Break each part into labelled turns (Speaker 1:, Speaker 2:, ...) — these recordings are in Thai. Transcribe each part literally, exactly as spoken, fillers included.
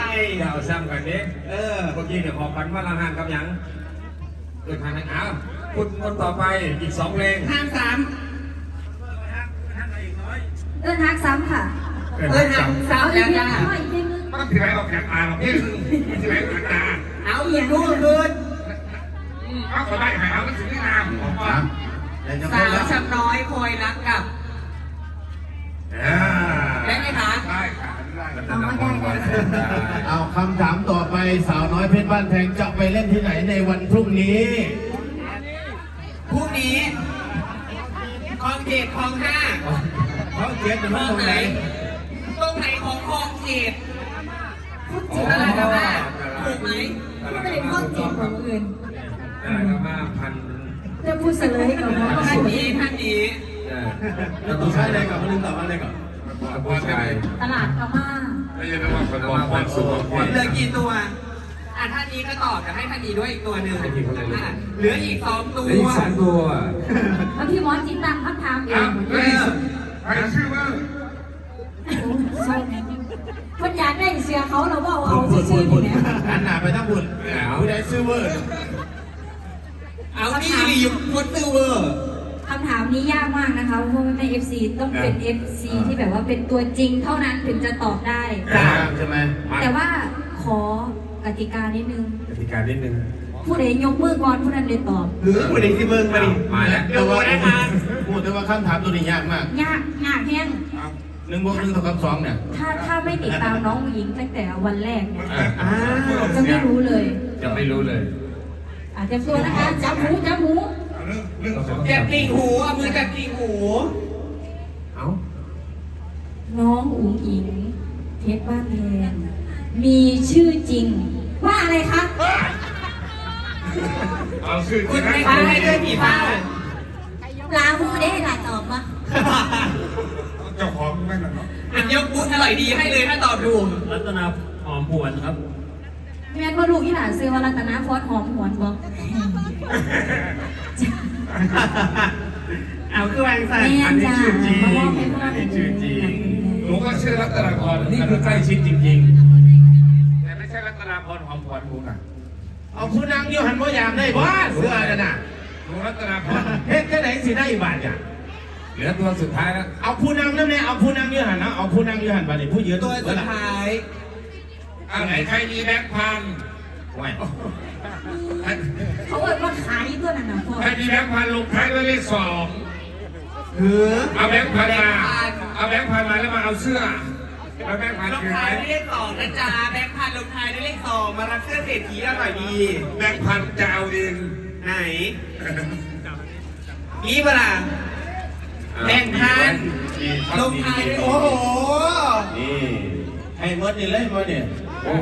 Speaker 1: อย่าเอาซ้ำกันเด็กเออเมื่อกี้เดี๋ยวขอพันว่าละห้างกับยังเกิดทางไหนอ้าวคุณคนต่อไปอีกสองเพลง
Speaker 2: ห้ามสาม
Speaker 3: เอิ้นฮักซ้ำค่ะ
Speaker 2: เออห้ามสาม
Speaker 3: เอาอี
Speaker 2: แล้
Speaker 3: ก
Speaker 2: ว
Speaker 3: เพล
Speaker 2: จ้าง
Speaker 3: อีกเพลงนึง
Speaker 1: มันถือไว้ออกแขนตาหรอกพี่ถือไว้ออกตา
Speaker 2: เอาอีกลูกคืน
Speaker 1: เอาขอได้หายเอามันถึงได้งามของพ่อ
Speaker 2: สาวช้ำน้อยคอยรักกับได้ไหมคะ
Speaker 1: ได้ค่ะได้
Speaker 3: เอามาได้ได้
Speaker 4: เอาคำถามต่อไปสาวน้อยเพชรบ้านแพงจะไปเล่นที่ไหนในวันพรุ่งนี้
Speaker 2: พรุ่งนี้คลองเขตคลองห้า
Speaker 4: เขาเขียนเป็น
Speaker 2: คล
Speaker 4: ว่า
Speaker 2: อง
Speaker 4: ตรง
Speaker 2: ไห
Speaker 4: ไห
Speaker 2: น
Speaker 4: น
Speaker 2: ตรงไหนของคลองเขต
Speaker 3: พูดจริง
Speaker 2: อะไรนะแม่ถูกไหม
Speaker 3: ไม่ได้ข้อจริงของอื่น
Speaker 1: ได้แล้วมาพัน
Speaker 3: จะพูดเสลยกับน้อง
Speaker 2: ท่านนี้ท่านนี้
Speaker 4: แล้วต่อไปอะไรก่อนมาลืมต่อมาอะไรก่อน
Speaker 1: ผู้ชาย
Speaker 3: ตลาดพม่า
Speaker 1: ไม่ใช่ว่าคนบอกความสุข
Speaker 2: เหลือกี่ตัวอ่ะท่านนี้ก็ตอบกับให้ท่านนี้ด้วยอีกตัวหนึ่งอ่ะเหลืออีกสองตัว
Speaker 1: อีกสองตัว
Speaker 3: แล้วพี่มอสจิตตังคำถามเอ
Speaker 1: อ้าว
Speaker 3: ง
Speaker 1: เฮ้ยใครชื่อว่า
Speaker 3: คนอยากได้เสียเขาเราบอกเอาชื่อๆนี่เนี่ย
Speaker 4: อันหนาไปทั้งบุญผู้ใดซื้อเวอร์
Speaker 2: เอานี่รียุคดซิลเวอร์
Speaker 3: คำถามนี้ยากมากนะคะเพราะว่าใน เอฟ ซี ต้องเป็น เอฟ ซี ที่แบบว่าเป็นตัวจริงเท่านั้นถึงจะตอบได้
Speaker 4: ใช่ไหม
Speaker 3: แต่ว่าขอกติกานิดนึง
Speaker 1: กติกานิดนึง
Speaker 3: ผู้ใดยกมือก่อนผู้นั้นเลยตอบ
Speaker 4: หรือผู้ใดที่เบิ่งมาดิ
Speaker 1: มาแล้ว
Speaker 4: แต่ว่าพูดแต่ว่าคำถามตัวนี้ยากมาก
Speaker 3: ยากยากแห้ง
Speaker 4: หนึ่งบวกหนึ่งเท่ากับสองเนี่ย
Speaker 3: ถ้าถ้าไม่ติดตามน้องหญิงตั้งแต่วันแรกเนี่ย
Speaker 4: อ่า
Speaker 3: จะไม่รู้เลย
Speaker 1: จะไม่รู้เลย
Speaker 3: อาจจะตัวนะคะจับหูจับหู
Speaker 2: จับติ่งหูเอามือจับติ่งหู
Speaker 1: เอ้า
Speaker 3: น้องอุ๋งอิงเพชรบ้านแพงมีชื่อจริง ว่าอะไรคะ
Speaker 1: เอาชื่อ
Speaker 2: คุณให้คุณให้ด้วยผีฟ้า
Speaker 3: ลาหูได้หลายตอบมา
Speaker 1: เจ้าของไม่หรอก
Speaker 2: อันยกบุญอร่อยดีให้เลยถ้าตอบถูก
Speaker 5: รัตนาหอมหวนครับ
Speaker 3: แม่นว่าลูกที่หลานซื้อวารัตนาฟอสหอมหวนบอก
Speaker 2: เอาคือวางสัน
Speaker 3: แม่
Speaker 1: อันนี้
Speaker 3: จ้า
Speaker 1: ชื่อจริง
Speaker 3: มาบอกให้พ่อ
Speaker 1: อัน
Speaker 3: เป็
Speaker 1: นี้
Speaker 3: น
Speaker 1: ชื่อจริง
Speaker 5: หนูก็ชื่อรัตนาพร
Speaker 1: นี่คือใกล้ชิดจริงๆแต่ไม่ใช่รัตนาพรหอมหวนหนูน่ะ
Speaker 4: เอาผู้นางโยหันว่ายามได้บ้าเสือกันน่ะ
Speaker 1: หนูรัตนาพร
Speaker 4: เฮ็ดแค่ไหนสิได้บาทเนี่ย
Speaker 1: เหลือตัวสุดท้ายแล้ว
Speaker 4: เอาผู้นางนั่นเนี่ยเอาผู้นางโยหันนะเอาผู้นางโยหันบาทเนี่ยผู้ยืน
Speaker 2: ตัวสุดท้าย
Speaker 1: อันไหนใครมีแบงค์พันไหว
Speaker 3: เขาเอ่ยว่าขายตัวนั้นนะพ่อ
Speaker 1: ใครมีแบงค์พันลงท้ายด้วยเลขสอง
Speaker 4: คือ
Speaker 1: เอาแบงค์พันมา เอาแบงค์พันมาแล้วมาเอาเสื้อแล้วแบงค์พัน
Speaker 2: ลง
Speaker 1: คือ
Speaker 2: ท้า
Speaker 1: ไห
Speaker 2: ย
Speaker 1: น
Speaker 2: ด้วยเลขสองนะจ๊ะแบงค์พันลงท้ายด้วยเลขสองมารับเสื้อเศรษฐีอร่อยดี
Speaker 1: แบงค์พันจะเอาเอง
Speaker 2: ไหนนี่เปล่าแบงค์พันลงท้ายด้วยโอ้โห
Speaker 4: นี่ให้เมดนี่เลยเมดเนี่ย
Speaker 1: โอ้โห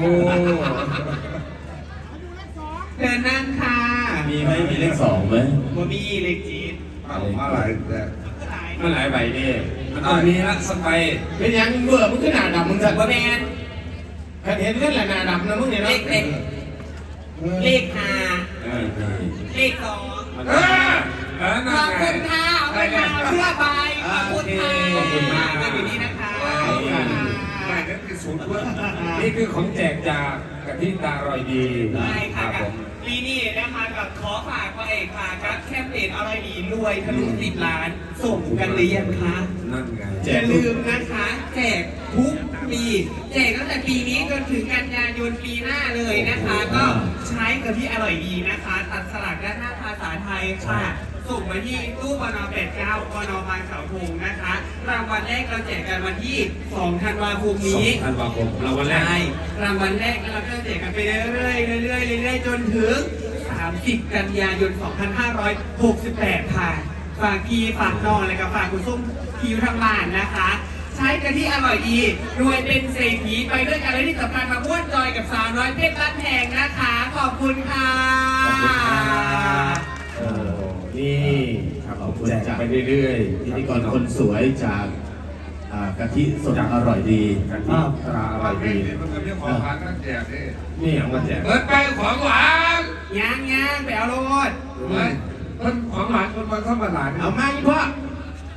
Speaker 2: เชิญนั่งค่ะ
Speaker 4: มีไหมมีเลขสองไหม
Speaker 2: บ่มีเลขจีน
Speaker 1: มาหลายแต่มาหลายใบนี่มันต้องมีละสักใบ
Speaker 4: เป็นยังเบื่อมึงขึ้นหน้าดำมึงสั่น
Speaker 2: บ่แมน
Speaker 4: เห็นกันแหละหน้าดำนะมึงเนี่ย
Speaker 2: เล
Speaker 4: เนาะ
Speaker 2: ขเล็กเลขห้า
Speaker 1: เออ
Speaker 2: เลขสอง
Speaker 1: เออเออ
Speaker 2: ข
Speaker 1: นั่
Speaker 2: อน บ
Speaker 1: ไง
Speaker 2: คุณค่ะเอาไปค่ะเสื้อใบขอบคุณค่ะ
Speaker 1: ขอบคุณมาก
Speaker 2: อยู่นี่นะคะ
Speaker 1: ใบนั่นคือศูนย์เพื่อนี่คือของแจกจากกะทิตาอร่อยดี
Speaker 2: ใช่
Speaker 1: ค
Speaker 2: ค่ะ
Speaker 1: รับ
Speaker 2: กั
Speaker 1: ผ
Speaker 2: บ
Speaker 1: ม
Speaker 2: ปีนี้นะคะกับขอฝากพระเอกฝากครับแคมเปญอะไรดีรวยทะลุสิบล้านส่งกันหรือยังคะ
Speaker 1: นั่นไง
Speaker 2: อย่าลืมนะคะแจกทุกปีแจกตั้งแต่ปีนี้จนถึงกันยายนปีหน้าเลยนะคะ ก็ใช้กับที่อร่อยดีนะคะ ตัดสลักด้านหน้าภาษาไทยค่ะส่งมาที่ตู้ปนแปดเก้าปนบางเสาธงนะคะรางวัลแรกเราแจกกันวันที่สองธันวาคม
Speaker 1: สอ
Speaker 2: นี้
Speaker 1: งธันวาคมเราวันแรก
Speaker 2: ใช่รางวัลแรกแล้วเราก็แจกกันไปเรื่อยๆเรื่อยๆเรื่อยๆจนถึงสามสิบกันยายนสองพันห้าร้อยหกสิบแปดค่ะฝากพี่ฝากน้องและก็ฝากคุณส้มคิวทางบ้านนะคะ ใช้กันที่อร่อยดีรวยเป็นเศรษฐีไปด้วยกันและที่สำคัญมาม้วนจอยกับสาวน้อยเพชรบ้านแพงนะคะ ขอบคุณค่ะ
Speaker 1: ขอบคุณครับ
Speaker 4: เออนี่ขอบคุณ
Speaker 1: แจก
Speaker 4: จาก
Speaker 1: ไปเรื่อยๆ
Speaker 4: พิธีกรคนสวยจากอ่ากะทิสดอร่อยดี
Speaker 1: กะทิตราอร่อยดี
Speaker 6: มันเป็นเรื่องของการตั้งแจกนี่
Speaker 1: นี่เอามาแจก
Speaker 6: เปิดไปของหวาน
Speaker 2: ย่างย่างไปเอาโลด
Speaker 6: เฮ้ยมันของหวานคนมันเข้ามาหลาน
Speaker 4: เอามาอีกพ่อ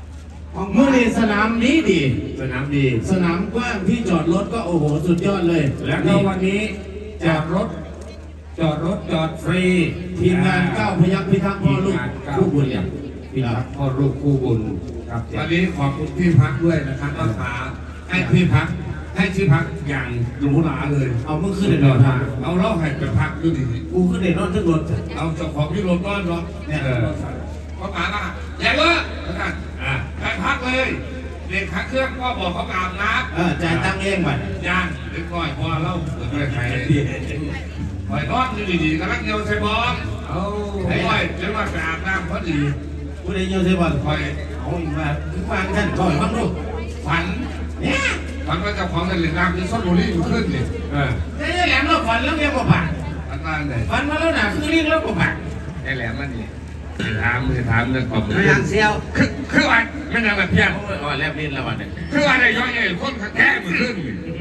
Speaker 4: มื่อนี้สนามนี้ดี
Speaker 1: สนามดี
Speaker 4: สนามกว้างที่จอดรถก็โอ้โหสุดยอดเลย
Speaker 1: แล้วก็วันนี้จอดรถ จอดรถจอดฟรี
Speaker 4: ทีมงานเก้าพยัคฆ์พิทักษ์พ่อลูกคู่บุญเนี่ย
Speaker 1: พี่พักพ่อลูกคู่บุญครับวันนี้ขอบคุณพี่พักด้วยนะครับอาสาให้พี่พักให้ที่พักอย่างหรูหราเลย
Speaker 4: เอาเมื่อคืนเด็ดนอนทาง
Speaker 1: เอาเล่าให้ไปพักด้วยดิ
Speaker 4: กูขึ้นเด็ดนอนทั้งรถ
Speaker 1: เอาเจ้าของที่รถต้อนรถเนี่ยเขาถามว่าอย่าเลิกแล้วกันอ่าไปพักเลยเด็กพักเครื่องก็บอกเขาอาบน้
Speaker 4: เออจ่ายตังค์เองบัด
Speaker 1: ำย่างเล็กน้อยพอเล่าเปิดไปใครปล่อยนอนอยู่ดีๆกำลังเยียวใส่บอลเอาไอ้ไว้จะมาไปอาบน้ำพอดี
Speaker 4: กูได้เยอะใช่บ่
Speaker 1: คอย
Speaker 4: เอาอีกมาคือฟังท่านก่อนบ้างลูก
Speaker 1: ฝันเนี่ยฝันว่าเจ้าของเงินเหรียญน้ำที่ซอนบุรีอยู่ขึ้นนี่เออ
Speaker 4: ได้แหลมเราฝันแล้วเรียกว่าผัก
Speaker 1: ฝันว่าไง
Speaker 4: ฝันมาแล้วนะคือเรียกแล้วว่าผัก
Speaker 1: ไอ้แหลมมันนี่ถามคือถามเรื่องความ
Speaker 2: ไม่ยังเซียว
Speaker 1: คือคือว่าไม่นานแบบเพี้ยน
Speaker 4: อ๋อแลบลิ้นแล้ววันนี้
Speaker 1: คือว่าได้ย้อยใหญ่คนแก่มันขึ้น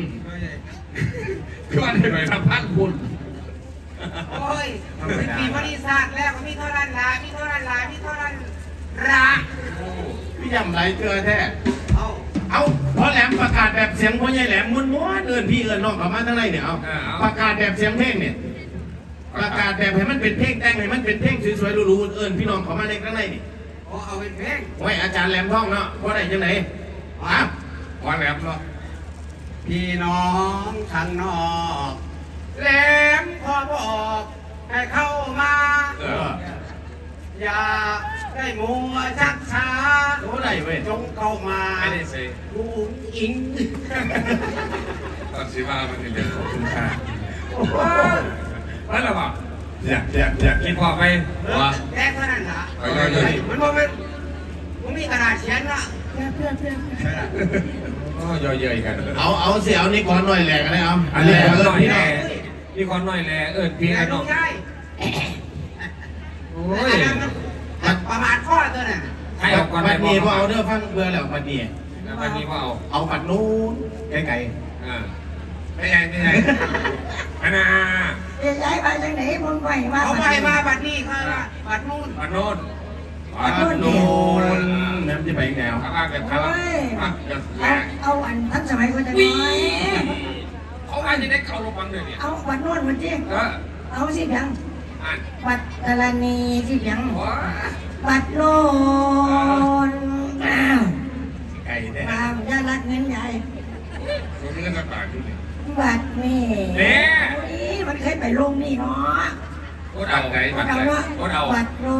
Speaker 1: คือว่าได้ไปทำพันบุญ
Speaker 2: โอ้ยมีบริษัทแล้วก็มีเท่านั้นละมีเท่านั้นละมีเท่านั้นละ
Speaker 4: พี่ยำไรเกลือแท้
Speaker 2: เอา
Speaker 4: เอาพอแหลมประกาศแบบเสียงพ่อใหญ่แหลมม้วนๆเอินพี่เอินน้องเข้ามาทั้งในเนี่ยเอาประกาศแบบเสียงเพลงเนี่ยประกาศแบบให้มันเป็นเพลงแต่งให้มันเป็นเพลงสวยๆหรูๆเอินพี่น้องเข้ามาในข้างในนี่
Speaker 2: โอ้เอาเป็นเพลง
Speaker 4: ไว้อาจารย์แหลมท่องเนาะพอได้จังไหนอ้าว
Speaker 1: ว่าแหลมเนาะ
Speaker 2: พี่น้องทางนอกแหลมขอบอกให้เข้ามา
Speaker 1: เออ
Speaker 2: อย่าได้มัวชักช้า
Speaker 4: โอ้ได้เว้ย
Speaker 2: จงเข้ามา
Speaker 1: ไม่ได้สิ
Speaker 2: ลุงอิง
Speaker 1: ตอนสิว่ามันนี่เรื่องของคุณค่า
Speaker 2: โอ้โห
Speaker 1: นั่นแหละป่ะอยากอยากอยากคิดพอไปว่า
Speaker 2: แค่เท่านั้นละ
Speaker 1: เอาเลย
Speaker 2: มันบอกมันมันมีกระดาษเขียนละเพื่อนเพื่อนเพื่อน
Speaker 1: ก็ย่อยเยยกัน
Speaker 4: เอาเอาเสียเอานี่ก่อนหน่อยแหลกอะไรเอา
Speaker 1: อันนี้
Speaker 4: แหลก
Speaker 1: คน
Speaker 4: เอิ
Speaker 1: หน่
Speaker 4: น
Speaker 1: อย
Speaker 4: พี่น้
Speaker 1: แห
Speaker 4: อ
Speaker 1: ล่
Speaker 4: ง
Speaker 1: นี่คนหน่อยแหล่เอิญพี่
Speaker 2: ไอ้
Speaker 1: ไอ้
Speaker 2: น้
Speaker 1: น้
Speaker 2: อ
Speaker 1: อง ง
Speaker 2: ยาย
Speaker 1: โอ้ย
Speaker 2: ประมาณข้อตัวน่ะ
Speaker 1: ให้เอาก่อน
Speaker 4: บัดนี้พอเอา
Speaker 1: เด้
Speaker 4: เด้อฟังเบื่อแล้วบัดนี้
Speaker 1: วันนี้ว่าเอา
Speaker 4: เอาบัดนู้นไกล
Speaker 1: อ่าไม่ใช่ไม่ใช่อันน่ะ
Speaker 7: จะย้ายมาจากไหนมึงไปมา
Speaker 2: เอาไปมาบัดนี้ค่ะบัดนู่น
Speaker 1: อันโน้น
Speaker 4: ๆบัดนู้นน้ำจะไปแนว
Speaker 1: ข้างแบบข้างอ่ะแบบแห
Speaker 7: เอา
Speaker 1: ล่
Speaker 7: เอาอันทันสมัยคนจะ
Speaker 1: วิ่
Speaker 7: น้อย
Speaker 1: เขาว่าจะได้เก่าลงบังเลยเนี่ย
Speaker 7: เอาบัตรนวดมันจี
Speaker 1: เออ
Speaker 7: เอาสิเพียง
Speaker 1: อ่าน
Speaker 7: บัตรกรณีสิเพียง
Speaker 1: ว้า
Speaker 7: บัตรโลนอ้าว
Speaker 1: ไก่เนี่ย
Speaker 7: ตามยาลักเงินใหญ่
Speaker 1: ผมมีเงินสักบาทอยู่นี่
Speaker 7: บัตรนี่
Speaker 1: เนี่ย
Speaker 7: นี่มันเคยไปลงนี่เนาะ
Speaker 1: โคตรเอาไก่บัตร
Speaker 7: เอา
Speaker 1: ไก่
Speaker 7: เนาะ
Speaker 1: โคตรเอา
Speaker 7: บัตรโล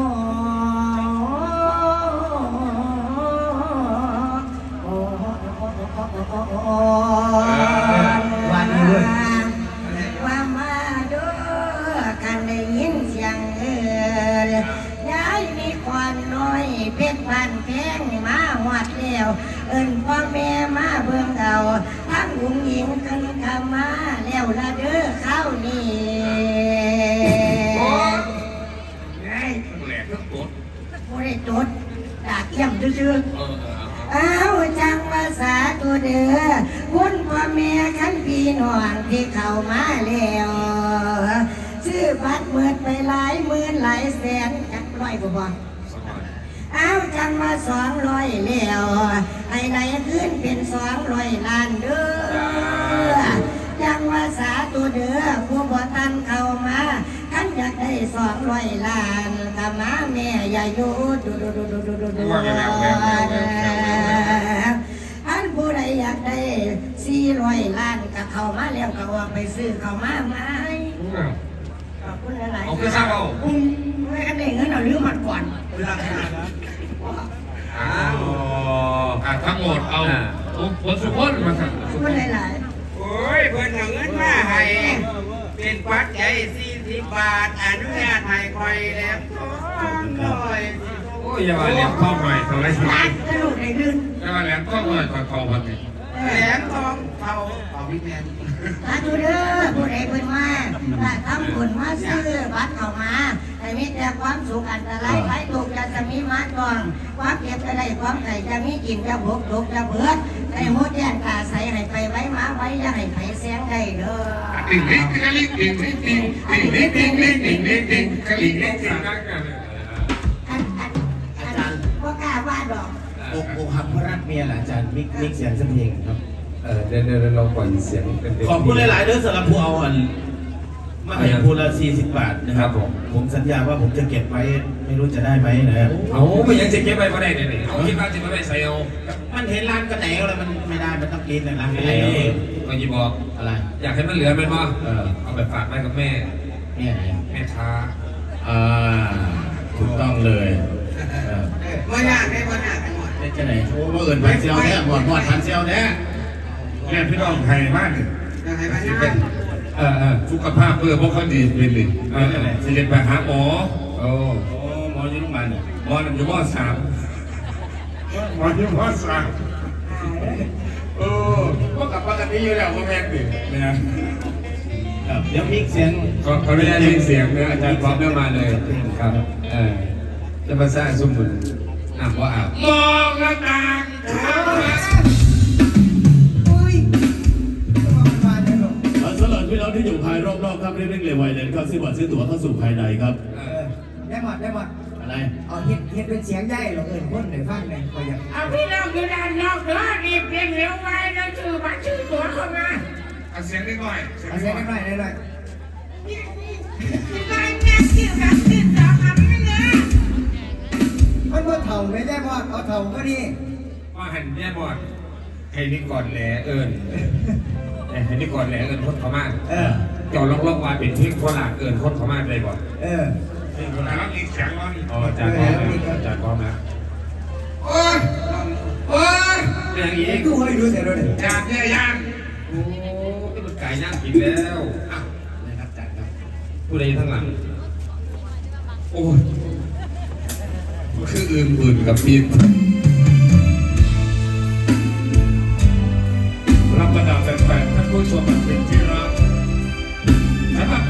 Speaker 7: วันว่ามาดูกันได้ยินเสียงเอ่ยย้ายมีควันน้อยเพชรพันแพงมาหวัดแล้วเอิ้นพ่อแม่มาเบิ่งเอาทั้งหญิงหญิงกันขมาแล้วละเด้อเข้านี่
Speaker 1: โอ้ย
Speaker 7: ไอ้
Speaker 1: แหลกทั้งตัว
Speaker 7: บ่ได้จดดากเยี่ยมซื่อๆ
Speaker 1: เออเออ
Speaker 7: เอาจังภาษาตัวเด้อคุณพ่อแม่ขันพี่น้องที่เข้ามาแล้วซื้อบัตรเมิดไปหลายหมื่นหลายแสนจักร้อยบ่บ่เอาจังมาสองร้อยแล้วไอ้ไหนขึ้นเป็นสองร้อยล้านเด้อจังภาษาตัวเด้อผู้บ่ทันเข้ามาขันอยากได้สองร้อยล้านก็มาแม่อย่าอยู่ดูดูดูดูดูดูดู อันผู้ใดอยากได้สี่ร้อยล้านก็เข้ามาแล้วก็ว่าไปซื้อเข้ามาไหมขอบคุณหลายๆ
Speaker 1: เอาคือทราบเอา
Speaker 7: อืมไม่กันได้เงินเอาลืมมันก่อน
Speaker 1: อ้าวอ่ะทั้งหมดเอาผลสุพจน์มาสั่ง
Speaker 7: ขอบคุณหลาย
Speaker 2: โอ้ยเพิ่นเอาเงินมาให้เป็นปัจจัยสี่สิบบาทอนุญาตให้คอยแล้วสองร้อย
Speaker 1: โอ้ยอย่ามาเลี้ยงข้าวหน่อยทำไรสิ
Speaker 7: ๆรักกระดูกในลื่น
Speaker 1: อย่ามาเลี้ยงข้าวหน่อยก่อนคอวันนี้
Speaker 2: แหลมทองเผาเผาพี่แมน
Speaker 7: สาธุเด้อผู้ใดเพิ่นมาถ้าทำบุญมาซื้อบัตรเข้ามาให้มีแต่ความสุขอันตรายไร้ทุกข์จะมีมาตองความเก็บจะได้ความไข่จะมีกินจะบกทุกจะเบิดให้หมดแย่งตาใสให้ไปไว้มาไว้อย่าให้ไผแสงได้เด้อ
Speaker 1: ติ่งลิ้งติ่งลิ้งติ่งลิ้งติ่งลิ้งติ่งลิ้งติ่งลิ้งติ่งลิ้งลิ้งติ่ง
Speaker 7: อันอันอันว่ากล้าว่าดอก
Speaker 4: อกอกหักเพราะไรมีอะไรอาจารย์มิกมิกเสียงสักเพลงครับ
Speaker 6: เออเดี๋ยวเดี๋ยวลองปล่อยเสียงเป็น
Speaker 4: ขอบคุณหลายๆเด้อสำหรับผู้เอาอันมาให้ผู้ละสี่สิบบาทนะครับผมผมสัญญาว่าผมจะเก็บไว้ไม่รู้จะได้ไหมนะครับ
Speaker 5: เอาไปยังจะเก็บไปก็ได้เนี่ยเอาคิดว่าจะไม่ใส่เอา
Speaker 4: มันเห็นร้านกระแหนวแล้วมันไม่ได้มันต้องกินนะร้านกระแหน
Speaker 5: เอ้
Speaker 4: ว
Speaker 5: ก็ยิบอก
Speaker 4: อะไร
Speaker 5: อยากให้มันเหลือมันว่า
Speaker 4: เออ
Speaker 5: เอาไปฝากแม่กับแม่
Speaker 4: เนี่ยไหน
Speaker 5: แม่ช้า
Speaker 4: อ่าถูกต้องเลยเออ
Speaker 2: ว่ายากได้ว่ายากกันหมด
Speaker 4: ได้จะไหนโอ้ว่าเอิญพันเซียวแน่หมดหมดพันเซียวแน่
Speaker 1: แม่พี่น้องไทยบ้านเนี่ย
Speaker 2: ยังไงบ้าง
Speaker 1: เป็นเออเออสุขภาพเพื่อพวกเขาดีเป็นเลยเออสิเด็ไปหาหมอโอ้
Speaker 4: โอ้หมออยู่โรงพยาบาลเนี่ย
Speaker 1: หมอหนึ่งอยู่หมอสามหมออยู่หมอสามโอ้พวกกับปกติอยู่แล้วก็แม่นดิเนี่ย
Speaker 4: ครับเดี๋ยวมิกเสียง
Speaker 1: ขอขออนุญาตเรียนเสียงนะอาจารย์พร้อมเรื่องมาเลยครับเออจะมาสร้างสมุนอ่ำว่าอ่ำมองหน้าต่างครับ
Speaker 2: อุ้ยมาเลยหรอ
Speaker 4: สำหรับพี่น้องที่อยู่ภายรอบๆครับเร่งๆเร็วไวเลยครับซื้อบัตรซื้อตั๋วเข้าสู่ภายในครับ
Speaker 2: ได้หมดได้หมด
Speaker 4: อะไร
Speaker 2: เอาเฮ็ดเฮ็ดเป็นเสียงใหญ่หรอเอิญคนไหนฟังไหนคอยอยาก
Speaker 8: เอาพี่น้องอยู่ด้านนอกเด้อรีบเร่งเร็วไว้แล้วชื่อบัตรชื่อตั๋วเข้ามา
Speaker 1: เอาเสียงนิดหน่อย
Speaker 2: เอาเสียงกันหน่อยได้หน่อย
Speaker 8: รายงานชื่อบัตรชื่อตั๋วคำนี้นะ
Speaker 2: มันว่าเถ่าไม่ได้บอดเอาเถ่าก็ดี
Speaker 1: ว่าหันแย่บอดให้นี่ก่อนแหลเอิญให้นี่ก่อนแหลเอิญคนเขามาก
Speaker 2: เออ
Speaker 1: จอดล็อกๆว่าเป็นเพียงโคราชเอิญคนเขามากเลยบ่
Speaker 2: เออ
Speaker 1: นี่คนละรับอีกเสียงว่าอ๋ออาจารย์พร้อมแล้วอาจารย์พร้อมแล้วโอ้ยโอ้ยอย่างนี้
Speaker 2: กูให้ดูเสียด้วย
Speaker 1: อยากเนี่ยยัง
Speaker 5: โอ้ก็มันไก่ย่างกินแล้วอ่ะ
Speaker 4: นะครับอาจารย์ครับ
Speaker 5: ผู้ใดทั้งหลัง
Speaker 1: โอ้ยมันคืออื่นอื่นกับปีนรับบรรดาแฟนๆท่านผู้ชมเป็นที่รัก